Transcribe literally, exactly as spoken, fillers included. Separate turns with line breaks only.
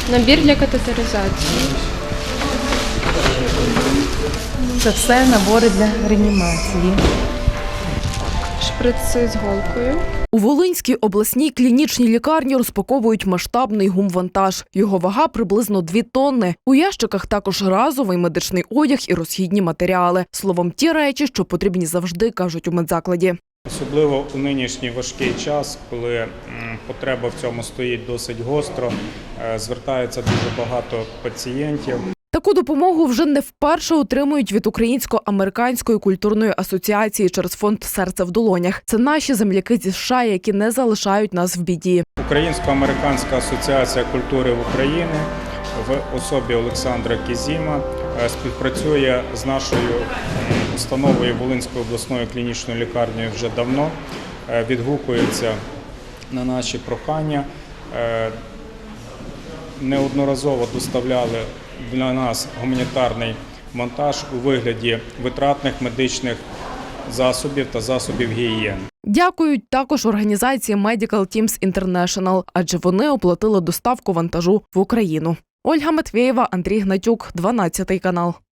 Набір для катетеризації.
Це все набори для реанімації.
Шприци з голкою.
У Волинській обласній клінічній лікарні розпаковують масштабний гумвантаж. Його вага приблизно дві тонни. У ящиках також разовий медичний одяг і розхідні матеріали. Словом, ті речі, що потрібні завжди, кажуть у медзакладі.
Особливо у нинішній важкий час, коли потреба в цьому стоїть досить гостро, звертається дуже багато пацієнтів.
Таку допомогу вже не вперше отримують від Українсько-американської культурної асоціації через фонд «Серце в долонях». Це наші земляки зі США, які не залишають нас в біді.
Українсько-американська асоціація культури в Україні в особі Олександра Кізіма співпрацює з нашою установою Волинської обласної клінічної лікарні вже давно, відгукується на наші прохання. Неодноразово доставляли для нас гуманітарний монтаж у вигляді витратних медичних засобів та засобів гігієни.
Дякують також організації Medical Teams International, адже вони оплатили доставку вантажу в Україну. Ольга Матвєєва, Андрій Гнатюк, дванадцятий канал.